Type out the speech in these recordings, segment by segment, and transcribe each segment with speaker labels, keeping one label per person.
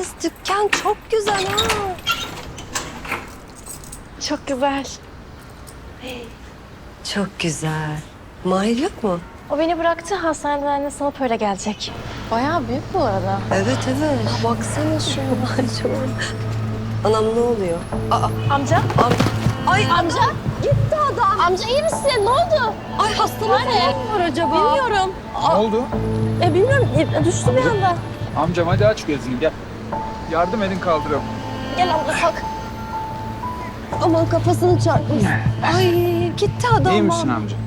Speaker 1: Kız dükkan çok güzel ha.
Speaker 2: Çok güzel.
Speaker 1: Çok güzel. Mahir yok mu?
Speaker 2: O beni bıraktı, hastaneden annesine alıp öyle gelecek. Bayağı büyük bu arada.
Speaker 1: Evet evet. Baksana şuna. Çok... Anam ne oluyor?
Speaker 2: Amca?
Speaker 1: Ay
Speaker 2: Amca?
Speaker 1: gitti adam.
Speaker 2: Amca iyi misin? Ne oldu?
Speaker 1: Ay hastalık falan mı var acaba?
Speaker 2: Bilmiyorum.
Speaker 3: Ne oldu?
Speaker 2: Bilmiyorum. Düştü bir anda.
Speaker 3: Amcam hadi aç gözünü gel. Yardım edin kaldırıyorum.
Speaker 2: Gel abla kalk.
Speaker 1: Aman kafasını çarpmış. Ay gitti adam.
Speaker 3: İyi misin amca?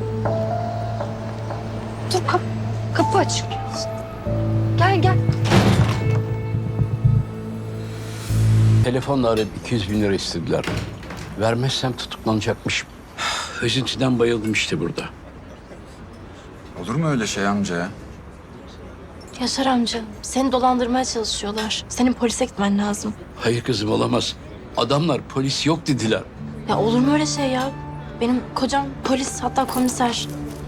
Speaker 1: Dur kapı açık. Gel gel.
Speaker 4: Telefonla arayıp 200 bin lira istediler. Vermezsem tutuklanacakmışım. Üzüntüden bayıldım işte burada.
Speaker 3: Olur mu öyle şey amca ya?
Speaker 2: Yaşar amca, seni dolandırmaya çalışıyorlar. Senin polise gitmen lazım.
Speaker 4: Hayır kızım olamaz. Adamlar polis yok dediler.
Speaker 2: Ya olur mu öyle şey ya? Benim kocam polis, hatta komiser.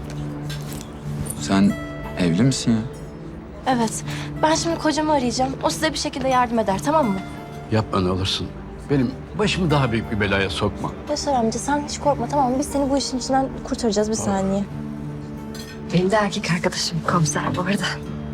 Speaker 3: Sen evli misin ya?
Speaker 2: Evet. Ben şimdi kocamı arayacağım. O size bir şekilde yardım eder, tamam mı?
Speaker 4: Yapma ne olursun. Benim başımı daha büyük bir belaya sokma.
Speaker 2: Yaşar amca sen hiç korkma, tamam mı? Biz seni bu işin içinden kurtaracağız, bir saniye.
Speaker 1: Benim de erkek arkadaşım komiser bu arada.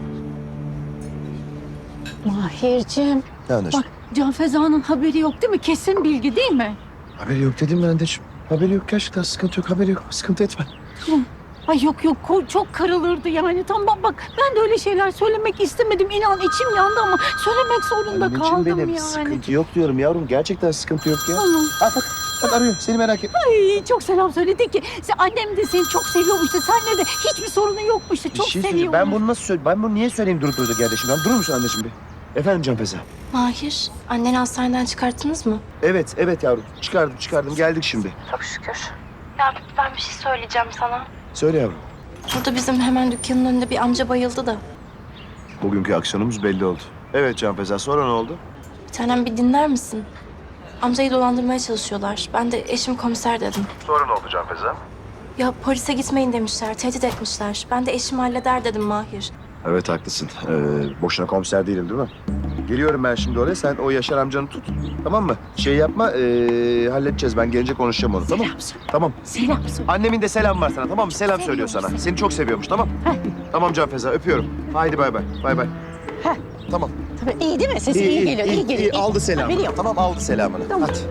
Speaker 5: Mahir'cim,
Speaker 6: Ne anneciğim?
Speaker 5: bak Can Feza'nın haberi yok değil mi? Kesin bilgi değil mi?
Speaker 6: Haberi yok dedim ben anneciğim. Haberi yok gerçekten sıkıntı yok haberi yok. Sıkıntı etme.
Speaker 5: Ay yok yok çok kırılırdı yani. Tamam bak ben de öyle şeyler söylemek istemedim. İnan içim yandı ama söylemek zorunda
Speaker 6: Anneciğim
Speaker 5: kaldım
Speaker 6: benim
Speaker 5: yani.
Speaker 6: sıkıntı yok diyorum yavrum. Gerçekten sıkıntı yok ya.
Speaker 5: Tamam.
Speaker 6: Ha bak arıyor seni merak etme.
Speaker 5: Ay çok selam söyledi ki annem de seni çok seviyormuş da seninle de hiçbir sorunu yokmuş da
Speaker 6: Bir
Speaker 5: çok
Speaker 6: şey
Speaker 5: seviyormuş.
Speaker 6: söyleyeceğim. Ben bunu nasıl söyleyeyim? Ben bunu niye söyleyeyim durup durduk yerde şimdi? Durur musun anneciğim bir? Efendim Can Feza?
Speaker 2: Mahir, anneni hastaneden çıkarttınız mı?
Speaker 6: Evet yavrum. Çıkardım. Geldik şimdi.
Speaker 2: Çok şükür. Ya ben bir şey söyleyeceğim sana.
Speaker 6: Söyle yavrum.
Speaker 2: Burada bizim hemen dükkanın önünde bir amca bayıldı da.
Speaker 6: Bugünkü aksiyonumuz belli oldu. Evet Can Feza. Sonra ne oldu?
Speaker 2: Bir tanem bir dinler misin? Amcayı dolandırmaya çalışıyorlar. Ben de eşim komiser dedim.
Speaker 6: Sonra ne oldu Can Feza?
Speaker 2: Ya polise gitmeyin demişler, tehdit etmişler. Ben de eşim halleder dedim Mahir.
Speaker 6: Evet haklısın. Boşuna komiser değilim değil mi? Geliyorum ben şimdi oraya. Sen o Yaşar amcanı tut. Tamam mı? Şey yapma. Halledeceğiz. Ben gelince konuşacağım onu. Tamam mı? Tamam.
Speaker 5: Selam söyle.
Speaker 6: Annemin de selam var sana. Tamam mı? Selam söylüyor sana. Seni çok seviyormuş. Tamam. Tamam Can Feza. Öpüyorum. Haydi bay bay. Bay bay.
Speaker 5: Heh.
Speaker 6: Tamam.
Speaker 5: Tabii iyi değil mi? Sesi iyi geliyor, iyi geliyor.
Speaker 6: Aldı selamını.
Speaker 5: Veriyor.
Speaker 6: Tamam aldı selamını.
Speaker 5: Tamam.
Speaker 6: Hadi.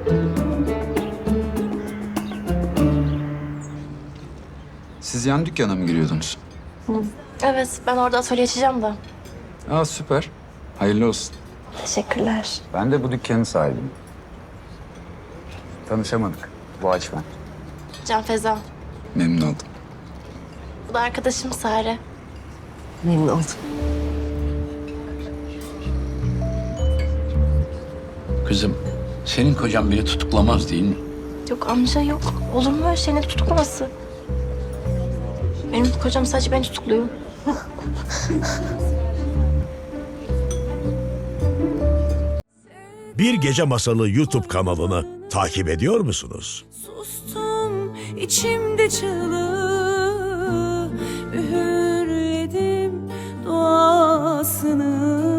Speaker 3: Siz yan dükkana mı giriyordunuz?
Speaker 2: Evet, ben orada atölye açacağım da.
Speaker 3: Aa süper. Hayırlı olsun.
Speaker 2: Teşekkürler.
Speaker 3: Ben de bu dükkanın sahibiyim. Tanışamadık. Boğaç ben.
Speaker 2: Can Feza.
Speaker 3: Memnun oldum.
Speaker 2: Bu da arkadaşım Sare.
Speaker 1: Memnun oldum.
Speaker 4: Kızım senin kocan beni tutuklamaz değil mi?
Speaker 2: Yok amca yok. Olur mu öyle şey, ne tutuklaması? Benim kocam sadece beni tutukluyor.
Speaker 7: Bir Gece Masalı YouTube kanalını takip ediyor musunuz?
Speaker 8: Sustum içimde çığlığı, üğürledim duasını.